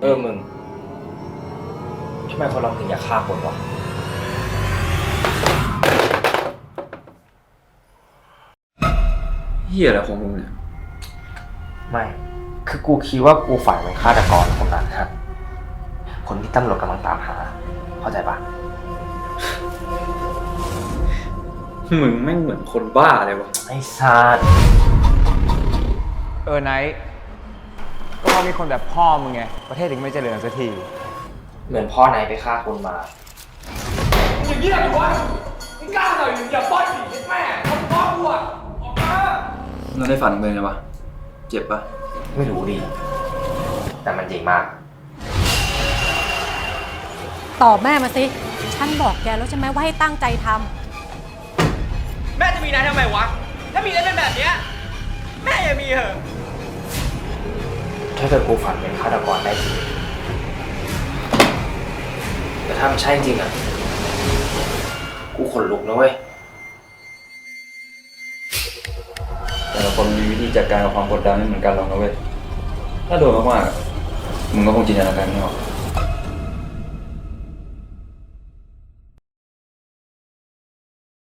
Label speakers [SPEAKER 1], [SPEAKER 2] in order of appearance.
[SPEAKER 1] มึงทำไมคนเราถึงอยากฆ่าคนวะ
[SPEAKER 2] เหี้ยอะไรของมึงเนี่ย
[SPEAKER 1] ไม่คือกูคิดว่ากูฝันเป็นฆาตกรคนนั้นฮะคนที่ตำรวจกำลังตามหาเข้าใจปะ
[SPEAKER 2] มึงแม่งเหมือนคนบ้าเลยวะ
[SPEAKER 1] ไอ้สัส
[SPEAKER 3] ไนท์ก็เพราะมีคนแบบพ่อมึงไงประเทศถึงไม่เจริญสักที
[SPEAKER 1] เหมือนพ่อนายไปฆ่าคนมา
[SPEAKER 4] อย่างนี้แหละวะมึงกล้าหน่อยอย่าป้อนผีแม่คนพ่อกูอ่ะออกมา
[SPEAKER 2] เราได้ฝันมึงไงวะเจ็บปะ
[SPEAKER 1] ไม่รู้ดิแต่มันจริงมาก
[SPEAKER 5] ตอบแม่มาสิ ฉันบอกแกแล้วใช่ไหมว่าให้ตั้งใจทำ
[SPEAKER 4] แม่จะมีนายทำไมวะถ้ามีแล้วเป็นแบบเนี้ยแม่อย่ามีเหอะ
[SPEAKER 1] ถ้าเกิดกูฝันเป็นฆาตกรได้จริงแต่ถ้ามันใช่จริงอ่ะกูขนลุกนะเว้ย
[SPEAKER 2] แต่ละคนมีวิธีจัดการกับความกดดันไม่เหมือนกันหรอกนะเว้ยถ้าโดนมากๆมึงก็คงจินตนาการไม่ออก